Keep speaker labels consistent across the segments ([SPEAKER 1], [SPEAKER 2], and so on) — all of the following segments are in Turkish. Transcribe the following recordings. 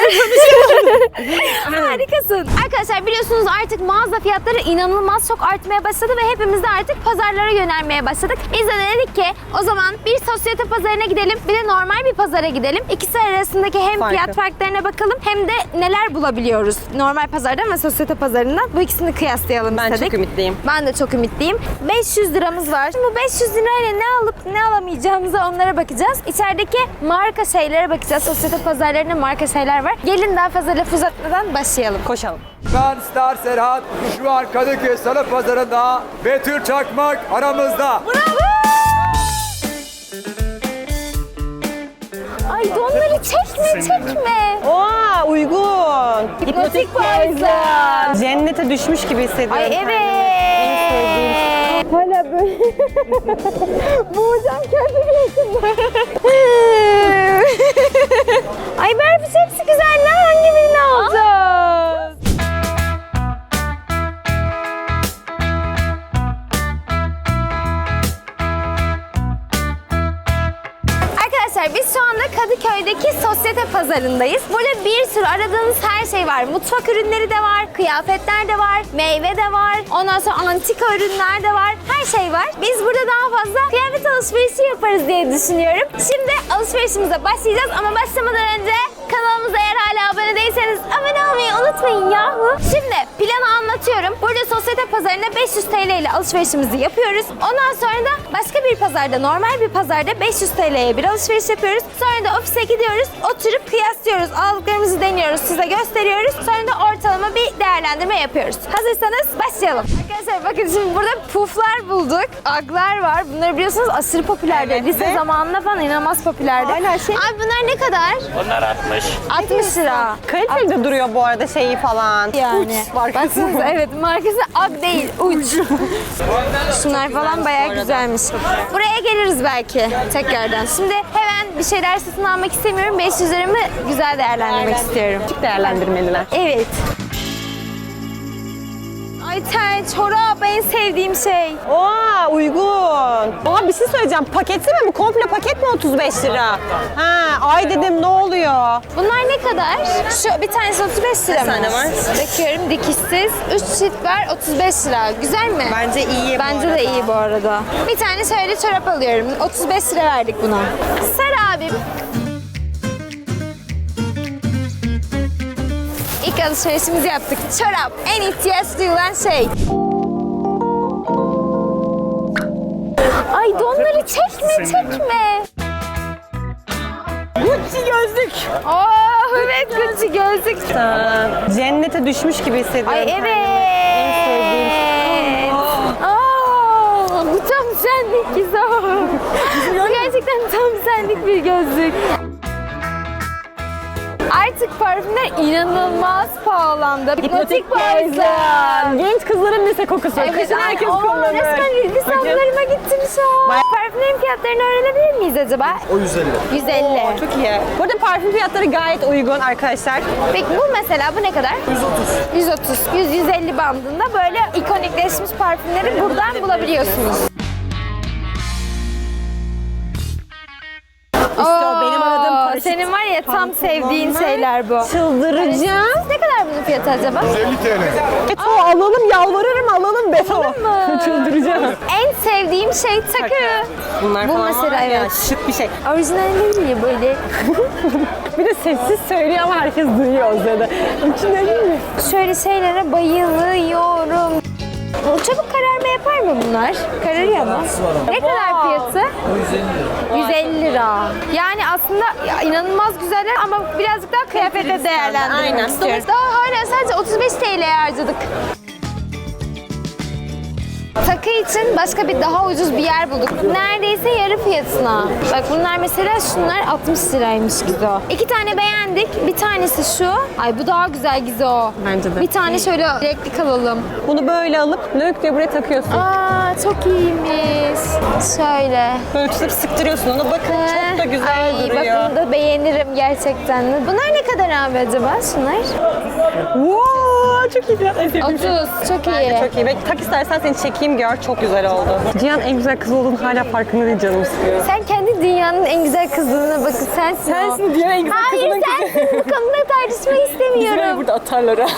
[SPEAKER 1] Harikasın. Arkadaşlar biliyorsunuz artık mağaza fiyatları inanılmaz çok artmaya başladı ve hepimiz de artık pazarlara yönelmeye başladık. Biz de dedik ki o zaman bir sosyete pazarına gidelim, bir de normal bir pazara gidelim. İkisi arasındaki hem fiyat farklarına bakalım hem de neler bulabiliyoruz normal pazardan ve sosyete pazarından. Bu ikisini kıyaslayalım istedik.
[SPEAKER 2] Ben çok ümitliyim.
[SPEAKER 1] Ben de çok ümitliyim. 500 liramız var. Şimdi bu 500 lirayla ne alıp ne alamayacağımıza onlara bakacağız. İçerideki marka şeylere bakacağız. Sosyete pazarlarında marka şeyler var. Gelin daha fazla laf uzatmadan başlayalım.
[SPEAKER 2] Koşalım.
[SPEAKER 3] Ben Star Serhat. Şu an Kadıköy Salı Pazarı'nda. Betül Çakmak aramızda.
[SPEAKER 1] Ay donları çekme.
[SPEAKER 2] Oha uygun.
[SPEAKER 1] Hipnotik payızlar.
[SPEAKER 2] Cennete düşmüş gibi hissediyorum.
[SPEAKER 1] Ay evet. Hala böyle. Boğacağım kendimi. Ay Berfiş hepsi güzel lan. Hangi birini alacağız? Arkadaşlar biz şu anda Kadıköy'deki sosyete pazarındayız. Burada bir sürü aradığınız her şey var. Mutfak ürünleri de var, kıyafetler de var, meyve de var. Ondan sonra antika ürünler de var. Her şey var. Biz burada daha fazla kıyafet alışverişi yaparız diye düşünüyorum. Şimdi alışverişimize başlayacağız ama başlamadan önce kanalımıza eğer hala abone değilseniz abone olmayı unutmayın yahu. Şimdi planı anlatıyorum. Burada sosyete pazarında 500 TL ile alışverişimizi yapıyoruz. Ondan sonra da başka bir pazarda, normal bir pazarda 500 TL'ye bir alışveriş yapıyoruz. Sonra da ofise gidiyoruz. Oturup kıyaslıyoruz. Aldıklarımızı deniyoruz. Size gösteriyoruz. Sonra da ortalama bir değerlendirme yapıyoruz. Hazırsanız başlayalım. Arkadaşlar bakın şimdi burada puflar bulduk. Aglar var. Bunları biliyorsunuz aşırı popülerdi.
[SPEAKER 2] Evet,
[SPEAKER 1] Lise zamanında falan inanılmaz popülerdi.
[SPEAKER 2] Hala şey.
[SPEAKER 1] Abi bunlar ne kadar?
[SPEAKER 4] Onlar 60.
[SPEAKER 1] 60 lira.
[SPEAKER 2] Kaliteli de duruyor bu arada şeyi falan.
[SPEAKER 1] Yani.
[SPEAKER 2] Uç markası.
[SPEAKER 1] Baksanıza evet markası Ag değil uç. Şunlar falan bayağı güzelmiş. Buraya geliriz belki tekrardan. Şimdi hemen bir şeyler satın almak istemiyorum. 500 liramı güzel değerlendirmek istiyorum.
[SPEAKER 2] Küçük değerlendirmeliler.
[SPEAKER 1] Evet. Ay tel, çorap en sevdiğim şey.
[SPEAKER 2] Oha uygun. Oha bir şey söyleyeceğim. Paketi mi bu? Komple paket mi 35 lira? Ha, ay dedim ne oluyor?
[SPEAKER 1] Bunlar ne kadar? Şu bir tanesi 35 lira mı?
[SPEAKER 2] tane var?
[SPEAKER 1] Bakıyorum dikişsiz. 3 çift var 35 lira. Güzel mi?
[SPEAKER 2] Bence iyi.
[SPEAKER 1] Bence de iyi bu arada. Bir tane şöyle çorap alıyorum. 35 lira verdik buna. Sar abim. İlk alışverişimizi yaptık. Çorap. En ihtiyaç duyulan şey. Ay donları çekme.
[SPEAKER 2] Gucci gözlük.
[SPEAKER 1] Oh evet Gucci gözlük.
[SPEAKER 2] Cennete düşmüş gibi hissediyorum.
[SPEAKER 1] Ay evet.
[SPEAKER 2] En sevdiğim.
[SPEAKER 1] Aa, bu tam senlik Gizo. Bu gerçekten tam senlik bir gözlük. Artık parfümler inanılmaz pahalandı. Hipnotik payızlar.
[SPEAKER 2] Genç kızların lise kokusu. Kışın herkes kullanır.
[SPEAKER 1] Resmen lisanlarıma gittim şu an. Parfümlerin fiyatlarını öğrenebilir miyiz acaba?
[SPEAKER 3] O 150.
[SPEAKER 1] 150.
[SPEAKER 2] Çok iyi. Burada parfüm fiyatları gayet uygun arkadaşlar.
[SPEAKER 1] Peki bu mesela bu ne kadar? 130. 100-150 bandında böyle ikonikleşmiş parfümleri buradan bulabiliyorsunuz.
[SPEAKER 2] İşte o benim aradığım paraşüt.
[SPEAKER 1] Senin var ya tam sevdiğin şeyler bu.
[SPEAKER 2] Çıldıracağım.
[SPEAKER 1] Ne kadar bunun fiyatı acaba?
[SPEAKER 3] 50 TL.
[SPEAKER 2] Beto alalım yalvarırım alalım Beto.
[SPEAKER 1] mı?
[SPEAKER 2] Çıldıracağım.
[SPEAKER 1] En sevdiğim şey takı.
[SPEAKER 2] Bunlar
[SPEAKER 1] Bu
[SPEAKER 2] falan
[SPEAKER 1] mesela
[SPEAKER 2] var ya,
[SPEAKER 1] evet.
[SPEAKER 2] şık bir şey.
[SPEAKER 1] Orijinal değil mi böyle?
[SPEAKER 2] Bir de sessiz söylüyor ama herkes duyuyor o sırada. İçinde değil mi?
[SPEAKER 1] Şöyle şeylere bayılıyorum. Çabuk kararma yapar mı bunlar? Kararıyor mu? Ne kadar fiyatı? 150 lira. Yani aslında ya, inanılmaz güzeller ama birazcık daha kıyafete değerlendirmek
[SPEAKER 2] Aynen.
[SPEAKER 1] istiyorum. Daha hala sadece 35 TL harcadık. Takı için başka bir daha ucuz bir yer bulduk. Neredeyse yarı fiyatına. Bak bunlar mesela şunlar 60 liraymış Gizo. 2 tane beğendik. Bir tanesi şu. Ay bu daha güzel Gizo.
[SPEAKER 2] Bence de.
[SPEAKER 1] Bir tane şöyle renkli alalım.
[SPEAKER 2] Bunu böyle alıp lök diye buraya takıyorsun.
[SPEAKER 1] Aa çok iyiymiş. Şöyle.
[SPEAKER 2] Böyle tutup sıktırıyorsun onu. Bakın çok da güzel
[SPEAKER 1] Ay,
[SPEAKER 2] duruyor.
[SPEAKER 1] bak bunu da beğenirim gerçekten. Bunlar ne kadar abi acaba şunlar?
[SPEAKER 2] Wow, çok iyi. En sevdiğim
[SPEAKER 1] 30.
[SPEAKER 2] şey.
[SPEAKER 1] Çok
[SPEAKER 2] Bence
[SPEAKER 1] iyi.
[SPEAKER 2] çok iyi. Belki tak istersen seni çekeyim gör. Çok güzel oldu. Cihan en güzel kız olduğunu hala farkında değil canım sıkıyor.
[SPEAKER 1] Sen kendi dünyanın en güzel kızına bakın. Sensin o.
[SPEAKER 2] Sensin dünyanın en güzel
[SPEAKER 1] Hayır
[SPEAKER 2] kızının kızı.
[SPEAKER 1] sensin. Bu konuda İnanamıyorum.
[SPEAKER 2] burada atarlar ha.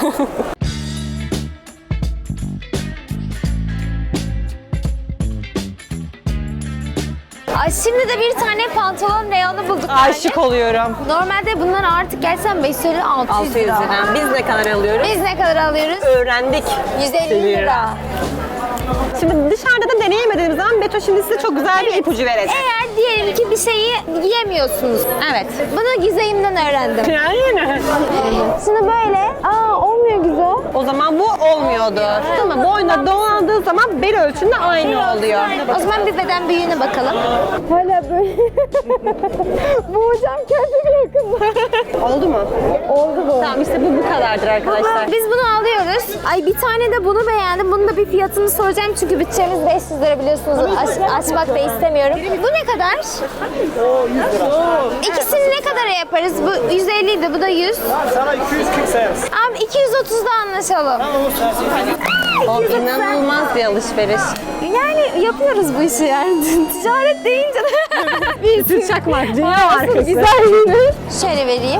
[SPEAKER 1] Ay, şimdi de bir tane pantolon reyonu bulduk.
[SPEAKER 2] Aşık oluyorum.
[SPEAKER 1] Normalde bunlar artık gerçekten 550 600
[SPEAKER 2] 600
[SPEAKER 1] lira.
[SPEAKER 2] lira. Biz ne kadar alıyoruz?
[SPEAKER 1] Biz ne kadar alıyoruz?
[SPEAKER 2] Öğrendik.
[SPEAKER 1] 150 lira.
[SPEAKER 2] Şimdi dışarıda da deneyemediğimiz zaman Beto şimdi size çok güzel bir ipucu verecek.
[SPEAKER 1] Eğer diyelim ki bir şeyi giyemiyorsunuz.
[SPEAKER 2] Evet.
[SPEAKER 1] Bunu Gizem'den öğrendim.
[SPEAKER 2] Yani.
[SPEAKER 1] Şimdi böyle. Olmuyor Gizo.
[SPEAKER 2] O zaman bu olmuyordu. Tamam, boyuna dolandığı zaman bel ölçünde aynı oluyor.
[SPEAKER 1] O zaman bir beden büyüğüne bakalım. Hala böyle. Bu hocam kendine yakın.
[SPEAKER 2] Oldu mu?
[SPEAKER 1] Oldu bu.
[SPEAKER 2] Tamam, işte bu kadardır arkadaşlar.
[SPEAKER 1] Biz bunu alıyoruz. Ay, bir tane de bunu beğendim. Bunun da bir fiyatını soracağım çünkü bütçemiz 500 lira biliyorsunuz. Açmak da istemiyorum. Bu ne kadar? 100 lira. İkisini ne kadara yaparız? Bu 150 idi, bu da 100.
[SPEAKER 4] Sana 240 sayarız.
[SPEAKER 1] Abi 230'da anlaşalım.
[SPEAKER 2] O inanılmaz bir alışveriş.
[SPEAKER 1] Yani yapıyoruz bu işi yani. Ticaret deyince de bir
[SPEAKER 2] Çakmak, dünya markası.
[SPEAKER 1] güzelliğini. Şöyle vereyim.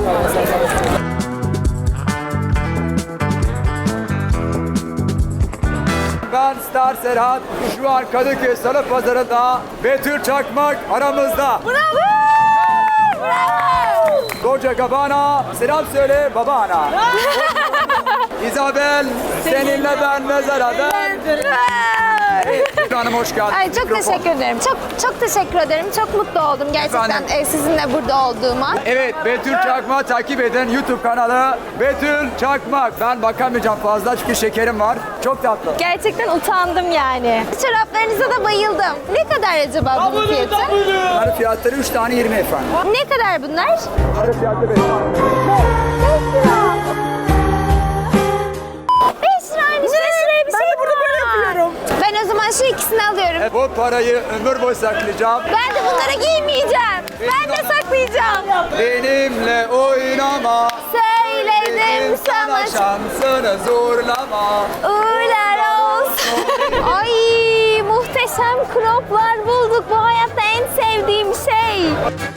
[SPEAKER 3] Ben Star Serhat. Şu an Kadıköy Salı Pazarı'nda Betül Çakmak aramızda.
[SPEAKER 1] Bravo!
[SPEAKER 3] Koca Gabana, selam söyle babana. İzabel, seninle ben mezara ben. Betül Hanım hoş geldiniz.
[SPEAKER 1] Ay, çok
[SPEAKER 3] Mikrofon.
[SPEAKER 1] teşekkür ederim. Çok teşekkür ederim. Çok mutlu oldum gerçekten
[SPEAKER 3] Efendim?
[SPEAKER 1] sizinle burada olduğuma.
[SPEAKER 3] Evet, Betül Çakmak takip edin YouTube kanalı. Betül Çakmak. Ben bakamayacağım fazla çünkü şekerim var. Çok tatlı.
[SPEAKER 1] Gerçekten utandım yani. Çoraplarınıza da bayıldım. Ne kadar acaba bunun fiyatı?
[SPEAKER 3] Bunların fiyatları 3 tane 20 efendim.
[SPEAKER 1] Ne kadar bunlar?
[SPEAKER 3] Bunların fiyatı 5.
[SPEAKER 1] 5 liraymış. 5 liraya bir şey burada böyle yapıyorum. Ben o zaman şu ikisini alıyorum.
[SPEAKER 3] Bu parayı ömür boyu saklayacağım.
[SPEAKER 1] Ben de bunları giymeyeceğim. Ben de saklayacağım.
[SPEAKER 3] Benimle oynama.
[SPEAKER 1] Söyledim sana
[SPEAKER 3] şansını zorlama.
[SPEAKER 1] uğurlar olsun. Ay, muhteşem croplar bulduk. Bu hayatta en sevdiğim şey.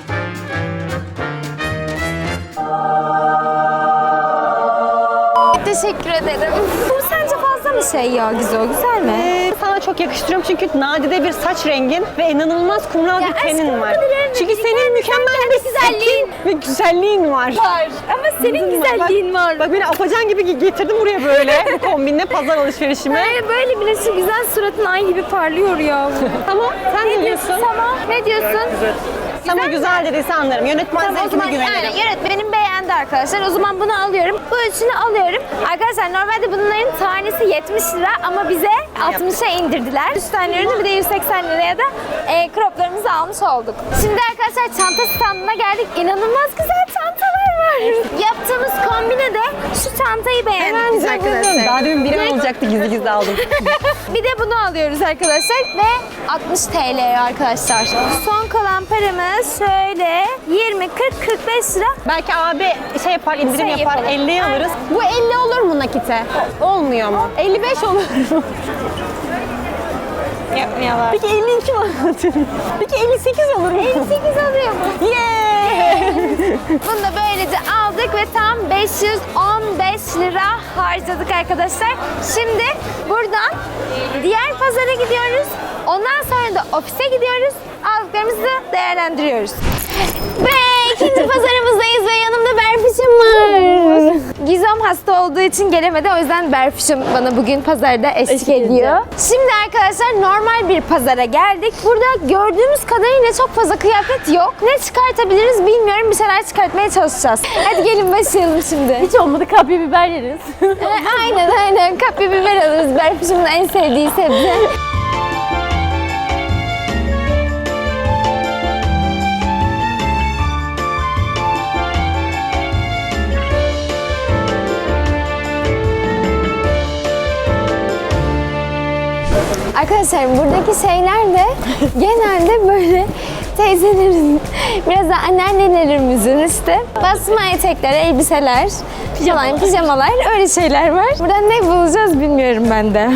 [SPEAKER 1] Teşekkür ederim. Bu sence fazla mı şey ya Gizo? Güzel mi?
[SPEAKER 2] Sana çok yakıştırıyorum çünkü nadide bir saç rengin ve inanılmaz kumral
[SPEAKER 1] Ya
[SPEAKER 2] bir tenin
[SPEAKER 1] aşkım,
[SPEAKER 2] var.
[SPEAKER 1] bu kadar önemli
[SPEAKER 2] Çünkü
[SPEAKER 1] değil.
[SPEAKER 2] senin mükemmel
[SPEAKER 1] kendi
[SPEAKER 2] bir
[SPEAKER 1] güzelliğin
[SPEAKER 2] setin ve güzelliğin var.
[SPEAKER 1] var. Ama senin güzelliğin var.
[SPEAKER 2] Bak beni apacan gibi getirdim buraya böyle bu kombinle pazar alışverişime.
[SPEAKER 1] Böyle bile şu güzel suratın ay gibi parlıyor ya.
[SPEAKER 2] Tamam, sen ne diyorsun?
[SPEAKER 1] Tamam. Ne diyorsun?
[SPEAKER 2] Sana güzel dediyse anlarım. Yönetmen
[SPEAKER 1] Tamam, o
[SPEAKER 2] zevkine
[SPEAKER 1] zaman
[SPEAKER 2] güvenirim.
[SPEAKER 1] yani yönetmenim beğendi arkadaşlar. O zaman bunu alıyorum. Bu üçünü alıyorum. Arkadaşlar normalde bunların tanesi 70 lira ama bize 60'a indirdiler. 3 tane ürünü bir de 180 liraya da croplarımızı almış olduk. Şimdi arkadaşlar çanta standına geldik. İnanılmaz güzel çantalar var. Yaptığımız kombine de şu çantayı beğendik biz arkadaşlar.
[SPEAKER 2] Daha demin biri alacaktı, gizli gizli aldım.
[SPEAKER 1] Bir de bunu alıyoruz arkadaşlar ve 60 TL arkadaşlar. Son kalan paramız şöyle 20, 40, 45 lira.
[SPEAKER 2] Belki abi şey yapar, indirim
[SPEAKER 1] Şey
[SPEAKER 2] yapar,
[SPEAKER 1] yapalım.
[SPEAKER 2] 50'ye alırız. Bu 50 olur mu nakite? Olmuyor mu? 55 olur mu?
[SPEAKER 1] Yapmıyorlar.
[SPEAKER 2] Peki 52 mi anlatıyorsun? Peki 58 olur mu?
[SPEAKER 1] 58 alıyor mu?
[SPEAKER 2] Yeah!
[SPEAKER 1] Bunu da böylece aldık ve tam 515 lira harcadık arkadaşlar. Şimdi buradan diğer pazara gidiyoruz. Ondan sonra da ofise gidiyoruz. Aldıklarımızı da değerlendiriyoruz. Ve ikinci pazarımızdayız ve yanımda Berfiş'im var. Gizem hasta olduğu için gelemedi. O yüzden Berfiş'im bana bugün pazarda eşlik ediyor. Şimdi arkadaşlar normal bir pazara geldik. Burada gördüğümüz kadarıyla çok fazla kıyafet yok. Ne çıkartabiliriz bilmiyorum. Bir şeyler çıkartmaya çalışacağız. Hadi gelin başlayalım şimdi.
[SPEAKER 5] Hiç olmadı kapya biber yeriz.
[SPEAKER 1] Aynen. Kapya biber alırız. Berfiş'imin en sevdiği sebze. Arkadaşlar buradaki şeyler de genelde böyle teyzelerin, biraz da anneannelerimizin işte basma etekler, elbiseler, falan, pijamalar öyle şeyler var. Buradan ne bulacağız bilmiyorum ben de.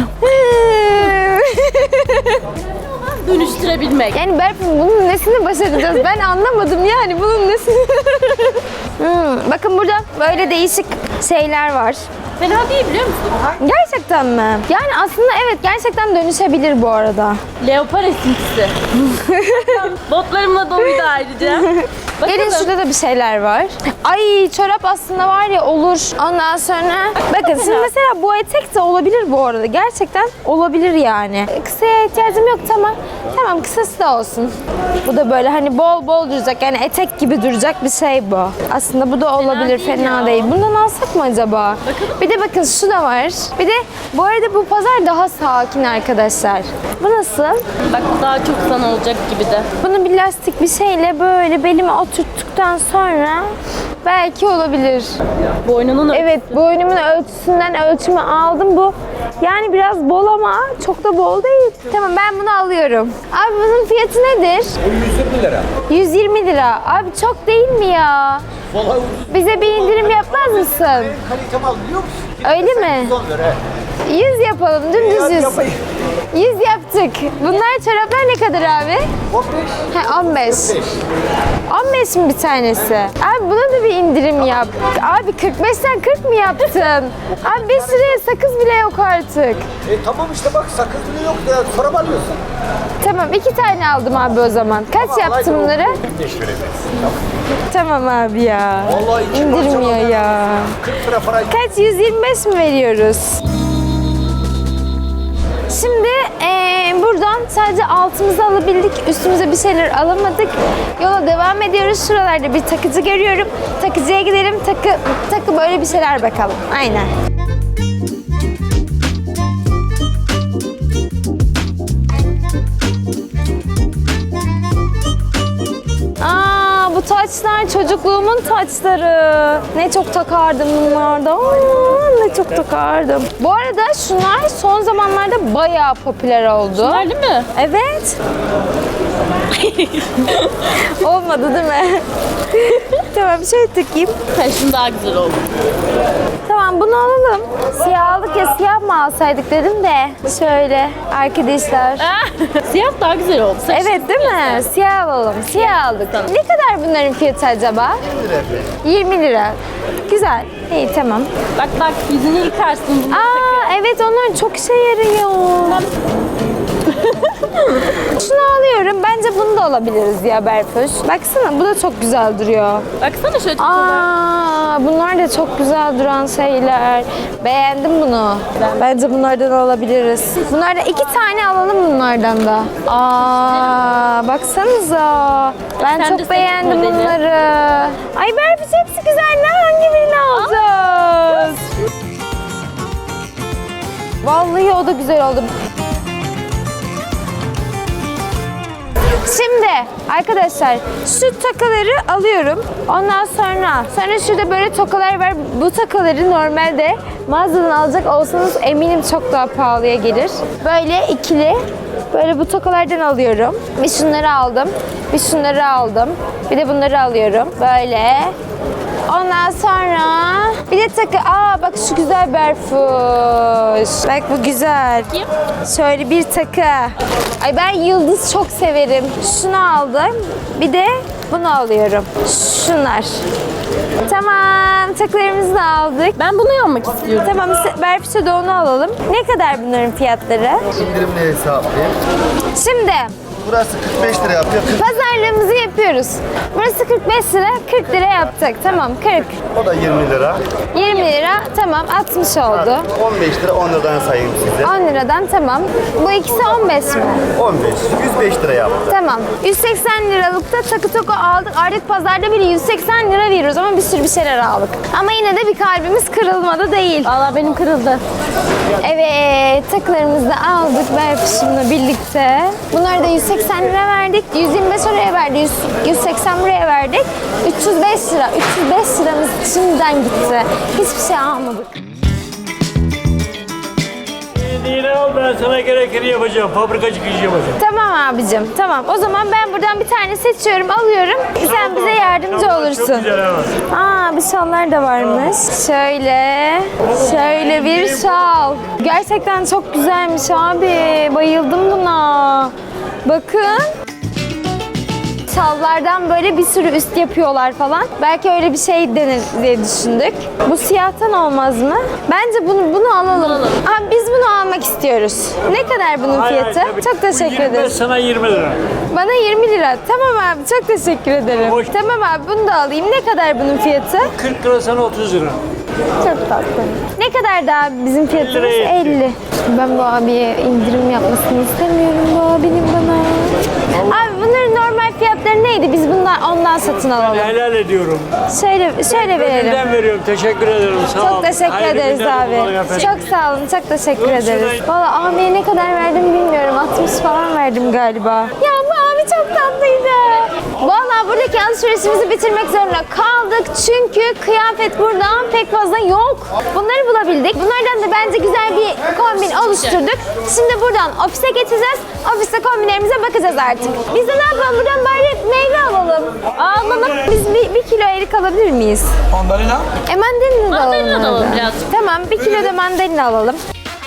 [SPEAKER 5] Dönüştürebilmek.
[SPEAKER 1] Yani Berfin bunun nesini başaracağız? Ben anlamadım yani bunun nesini. Bakın burada böyle değişik şeyler var.
[SPEAKER 4] Fena değil biliyor musun?
[SPEAKER 1] Gerçekten mi? Yani aslında evet gerçekten dönüşebilir bu arada.
[SPEAKER 4] Leopar esintisi. Botlarımla doluydu ayrıca.
[SPEAKER 1] Gelin şurada da bir şeyler var. Ay çorap aslında var ya olur. Ondan sonra bakın şimdi mesela bu etek de olabilir bu arada. Gerçekten olabilir yani. Kısaya ihtiyacım yok tamam. Tamam kısası da olsun. Bu da böyle hani bol bol duracak yani etek gibi duracak bir şey bu. Aslında bu da olabilir
[SPEAKER 4] değil
[SPEAKER 1] fena
[SPEAKER 4] ya.
[SPEAKER 1] değil. Bundan alsak mı acaba? Bir de bakın şu da var. Bir de bu arada bu pazar daha sakin arkadaşlar. Bu nasıl?
[SPEAKER 4] Bak bu daha çok sana olacak gibi de.
[SPEAKER 1] Bunu bir lastik bir şeyle böyle belime oturttuktan sonra belki olabilir.
[SPEAKER 4] Boynunun
[SPEAKER 1] Evet boynumun ölçüsünden ölçümü aldım bu. Yani biraz bol ama çok da bol değil. Tamam ben bunu alıyorum. Abi bunun fiyatı nedir?
[SPEAKER 3] 120 lira.
[SPEAKER 1] 120 lira. Abi çok değil mi ya? Bize bir indirim yapmaz mısın?
[SPEAKER 5] Kalitem al biliyor musun?
[SPEAKER 1] Öyle mi?
[SPEAKER 5] 110 lira.
[SPEAKER 1] 100 yapalım dümdüz 100.
[SPEAKER 5] Yapayım.
[SPEAKER 1] 100 yaptık. Bunlar çoraplar ne kadar abi?
[SPEAKER 5] 15.
[SPEAKER 1] Ha 15. 15 mi bir tanesi? Abi buna da bir indirim yap. Abi 45'ten 40 mı yaptın? Abi 5 liraya sakız bile yok artık.
[SPEAKER 5] Tamam işte bak sakız bile yok ya. Sonra mı alıyorsun?
[SPEAKER 1] Tamam 2 tane aldım abi o zaman. Kaç yaptın bunları?
[SPEAKER 5] 5 vereceksin.
[SPEAKER 1] Tamam abi ya.
[SPEAKER 5] Vallahi iki
[SPEAKER 1] İndirmiyor
[SPEAKER 5] parça
[SPEAKER 1] ya.
[SPEAKER 5] 40 lira para.
[SPEAKER 1] Kaç? 125 mi veriyoruz? Şimdi buradan sadece altımızı alabildik. Üstümüze bir şeyler alamadık. Yola devam ediyoruz. Şuralarda bir takıcı görüyorum. Takıcıya gidelim. Takı böyle bir şeyler bakalım. Aynen. Aa, bu taçlar çocukluğumun taçları. Ne çok takardım bunlardan. Ne çok takardım. Bu arada şunlar son zamanlarda bayağı popüler oldu.
[SPEAKER 4] Var değil mi?
[SPEAKER 1] Evet. Olmadı değil mi? Tamam şöyle takayım.
[SPEAKER 4] Ha, şunu daha güzel oldu.
[SPEAKER 1] Tamam bunu alalım. Siyah aldık ya siyah mı alsaydık dedim de. Şöyle arkadaşlar.
[SPEAKER 4] Siyah daha güzel oldu. Saçın
[SPEAKER 1] Evet değil mi? Siyah alalım. Siyah aldık. Ne kadar bunların fiyatı acaba? 20 lira. Güzel. İyi tamam.
[SPEAKER 4] Bak bak yüzünü yıkarsın bunu.
[SPEAKER 1] Aa evet onlar çok işe yarıyor. Şunu alıyorum. Bence bunu da alabiliriz ya Berfuş. Baksana bu da çok güzel duruyor.
[SPEAKER 4] Baksana şöyle çok güzel.
[SPEAKER 1] Aa, bunlar da çok güzel duran şeyler. Beğendim bunu. Bence bunlardan alabiliriz. Bunlardan 2 tane alalım bunlardan da. Aa, baksanıza. Ben
[SPEAKER 4] Sen de
[SPEAKER 1] çok
[SPEAKER 4] seç
[SPEAKER 1] beğendim
[SPEAKER 4] modeli.
[SPEAKER 1] bunları. Ay Berfuş hepsi güzel. Ne hangi birini alacağız? Vallahi o da güzel oldu. Şimdi arkadaşlar şu takaları alıyorum. Ondan sonra şurada böyle tokalar var. Bu takaları normalde mağazadan alacak olsanız eminim çok daha pahalıya gelir. Böyle ikili. Böyle bu tokalardan alıyorum. Bir şunları aldım. Bir şunları aldım. Bir de bunları alıyorum. Böyle. Ondan sonra bir de takı. Aa bak şu güzel Berfuş. Bak bu güzel.
[SPEAKER 4] Kim?
[SPEAKER 1] Şöyle bir takı. Ay ben yıldız çok severim. Şunu aldım. Bir de bunu alıyorum. Şunlar. Tamam takılarımızı da aldık.
[SPEAKER 4] Ben bunu almak istiyorum.
[SPEAKER 1] Tamam Berfuş'a da onu alalım. Ne kadar bunların fiyatları?
[SPEAKER 5] İndirimli hesaplayayım.
[SPEAKER 1] Şimdi
[SPEAKER 5] Burası 45 lira yapıyor. 40.
[SPEAKER 1] pazarlığımızı yapıyoruz. Burası 45 lira, 40 lira yaptık. Tamam 40.
[SPEAKER 5] O da 20 lira.
[SPEAKER 1] 20 lira tamam 60 oldu.
[SPEAKER 5] 15 lira 10 liradan sayayım size.
[SPEAKER 1] 10 liradan tamam. Bu ikisi 15 mi?
[SPEAKER 5] 15. 105 lira yaptı.
[SPEAKER 1] Tamam. 180 liralıkta takı toku aldık. Artık pazarda bile 180 lira veriyoruz ama bir sürü bir şeyler aldık. Ama yine de bir kalbimiz kırılmadı değil.
[SPEAKER 4] Vallahi benim kırıldı.
[SPEAKER 1] Evet, takılarımızı da aldık Berfuş'umla birlikte. Bunları da 180 lira verdik. 125 oraya verdik. 180 buraya verdik. 305 lira. 305 liramız şimdiden gitti. Hiçbir şey almadık.
[SPEAKER 6] Yine al ben sana gerekeni yapacağım. Fabrikacı işi yapacağım.
[SPEAKER 1] Tamam abicim, tamam. O zaman ben buradan bir tane seçiyorum, alıyorum. Sen bize yardımcı
[SPEAKER 6] Şalvar
[SPEAKER 1] olursun.
[SPEAKER 6] Çok güzel ama.
[SPEAKER 1] Aa, bir şallar da varmış. Şöyle bir şal. Gerçekten çok güzelmiş abi. Bayıldım buna. Bakın. şallardan böyle bir sürü üst yapıyorlar falan. Belki öyle bir şey denir diye düşündük. Bu siyahtan olmaz mı? Bence bunu alalım. Abi biz bunu almak istiyoruz. Ne kadar bunun fiyatı?
[SPEAKER 6] tabii.
[SPEAKER 1] Çok teşekkür
[SPEAKER 6] Bu 25,
[SPEAKER 1] ederiz.
[SPEAKER 6] sana 20 lira.
[SPEAKER 1] Bana 20 lira. Tamam abi çok teşekkür ederim.
[SPEAKER 6] Hoş.
[SPEAKER 1] Tamam abi bunu da alayım. Ne kadar bunun fiyatı?
[SPEAKER 6] 40 lira, sana 30 lira.
[SPEAKER 1] Çok tatlı. Ne kadar daha bizim fiyatımız?
[SPEAKER 6] 50 liraya
[SPEAKER 1] 50. Ben bu abiye indirim yapmasını istemiyorum bu abinin bana. Abi bunların normal fiyatları neydi? Biz ondan satın alalım.
[SPEAKER 6] Helal ediyorum.
[SPEAKER 1] Şöyle verelim.
[SPEAKER 6] Gönülden veriyorum. Teşekkür ederim. Sağ olun.
[SPEAKER 1] Çok teşekkür
[SPEAKER 6] Hayırlı
[SPEAKER 1] ederiz
[SPEAKER 6] günler
[SPEAKER 1] abi.
[SPEAKER 6] kullanın efendim.
[SPEAKER 1] Çok sağ olun. Çok teşekkür
[SPEAKER 6] Yok,
[SPEAKER 1] ederiz.
[SPEAKER 6] şurayı-
[SPEAKER 1] Valla abiye ne kadar verdim bilmiyorum. 60 falan verdim galiba. Ya bu abi çok tatlıydı. Valla buradaki alışverişimizi bitirmek zorunda kaldık. Çünkü kıyafet burada pek fazla yok. Bunları bulabildik. Bunlardan da bence güzel bir kombin oluşturduk. Şimdi buradan ofise geçeceğiz. Ofiste kombinlerimize bakacağız artık. Biz de ne yapalım? Buradan bari meyve alalım. Alalım. Biz bir kilo erik alabilir miyiz?
[SPEAKER 3] Mandalina.
[SPEAKER 1] Mandalina da alalım.
[SPEAKER 4] Mandalina da alalım
[SPEAKER 1] hadi.
[SPEAKER 4] biraz.
[SPEAKER 1] Tamam, bir kilo da mandalina alalım.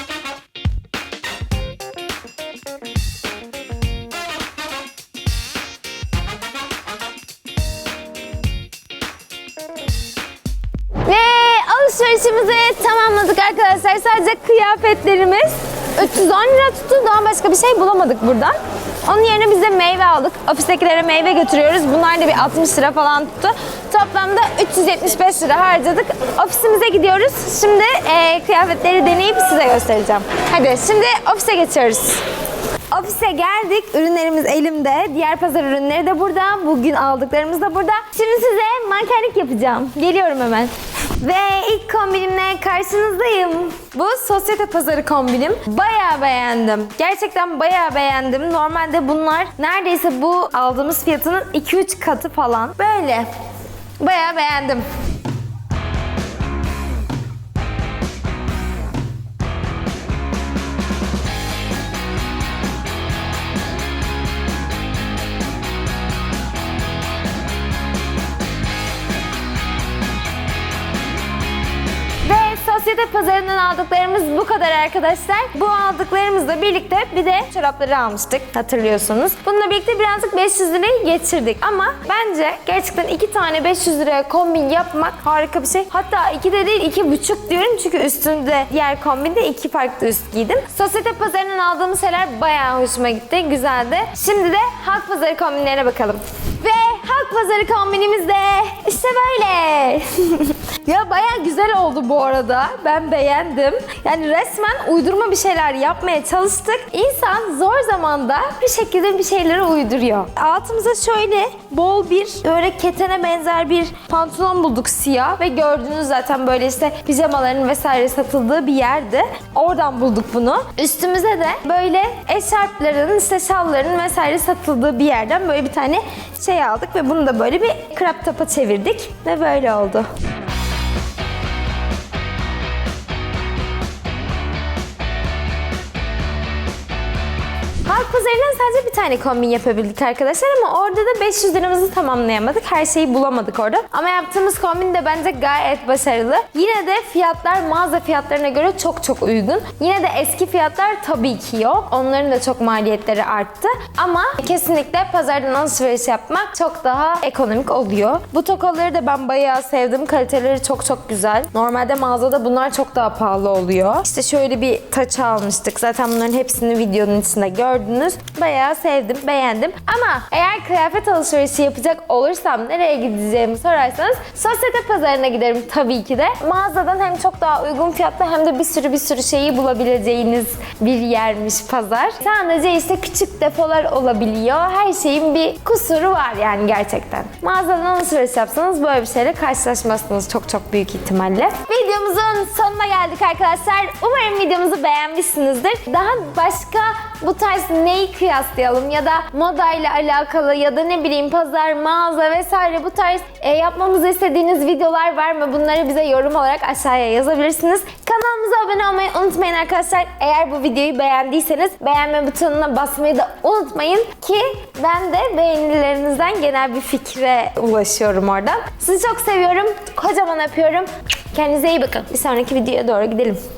[SPEAKER 1] Ve alışverişimizi tamamladık arkadaşlar. Sadece kıyafetlerimiz 310 lira tuttu. Daha başka bir şey bulamadık buradan. Onun yerine biz de meyve aldık. Ofistekilere meyve götürüyoruz. Bunlar da bir 60 lira falan tuttu. Toplamda 375 lira harcadık. Ofisimize gidiyoruz. Şimdi kıyafetleri deneyip size göstereceğim. Hadi şimdi ofise geçiyoruz. Ofise geldik. Ürünlerimiz elimde. Diğer pazar ürünleri de burada. Bugün aldıklarımız da burada. Şimdi size mankenlik yapacağım. Geliyorum hemen. Ve ilk kombinimle karşınızdayım. Bu sosyete pazarı kombinim. Bayağı beğendim. Gerçekten bayağı beğendim. Normalde bunlar neredeyse bu aldığımız fiyatının 2-3 katı falan. Böyle. Bayağı beğendim. Sosyete pazarından aldıklarımız bu kadar arkadaşlar. Bu aldıklarımızla birlikte bir de çorapları almıştık hatırlıyorsunuz. Bununla birlikte birazcık 500 lirayı geçirdik. Ama bence gerçekten 2 tane 500 liraya kombin yapmak harika bir şey. Hatta 2 de değil 2,5 diyorum çünkü üstünde diğer kombinde 2 farklı üst giydim. Sosyete pazarından aldığımız şeyler bayağı hoşuma gitti. Güzeldi. Şimdi de halk pazarı kombinlerine bakalım. Ve halk pazarı kombinimiz de işte böyle. Ya bayağı güzel oldu bu arada. Ben beğendim. Yani resmen uydurma bir şeyler yapmaya çalıştık. İnsan zor zamanda bir şekilde bir şeyleri uyduruyor. Altımıza şöyle bol bir böyle ketene benzer bir pantolon bulduk siyah ve gördüğünüz zaten böyle işte pijamaların vesaire satıldığı bir yerdi. Oradan bulduk bunu. Üstümüze de böyle eşarpların, işte şalların vesaire satıldığı bir yerden böyle bir tane şey aldık ve bunu da böyle bir crop top'a çevirdik ve böyle oldu. Halk pazarından sadece bir tane kombin yapabildik arkadaşlar ama orada da 500 liramızı tamamlayamadık. Her şeyi bulamadık orada. Ama yaptığımız kombin de bence gayet başarılı. Yine de fiyatlar mağaza fiyatlarına göre çok çok uygun. Yine de eski fiyatlar tabii ki yok. Onların da çok maliyetleri arttı. Ama kesinlikle pazardan alışveriş yapmak çok daha ekonomik oluyor. Bu tokaları da ben bayağı sevdim. Kaliteleri çok çok güzel. Normalde mağazada bunlar çok daha pahalı oluyor. İşte şöyle bir taç almıştık. Zaten bunların hepsini videonun içinde gördünüz. Bayağı sevdim, beğendim. Ama eğer kıyafet alışverişi yapacak olursam nereye gideceğimi sorarsanız sosyete pazarına giderim tabii ki de. Mağazadan hem çok daha uygun fiyatlı hem de bir sürü şeyi bulabileceğiniz bir yermiş pazar. Sadece işte küçük depolar olabiliyor. Her şeyin bir kusuru var yani gerçekten. Mağazadan alışveriş yapsanız böyle bir şeyle karşılaşmazsınız çok çok büyük ihtimalle. Videomuzun sonuna geldik arkadaşlar. Umarım videomuzu beğenmişsinizdir. Daha başka bu tarz neyi kıyaslayalım ya da modayla alakalı ya da ne bileyim pazar, mağaza vesaire bu tarz yapmamızı istediğiniz videolar var mı? Bunları bize yorum olarak aşağıya yazabilirsiniz. Kanalımıza abone olmayı unutmayın arkadaşlar. Eğer bu videoyu beğendiyseniz beğenme butonuna basmayı da unutmayın ki ben de beğenilerinizden genel bir fikre ulaşıyorum oradan. Sizi çok seviyorum. Kocaman öpüyorum. Kendinize iyi bakın. Bir sonraki videoya doğru gidelim.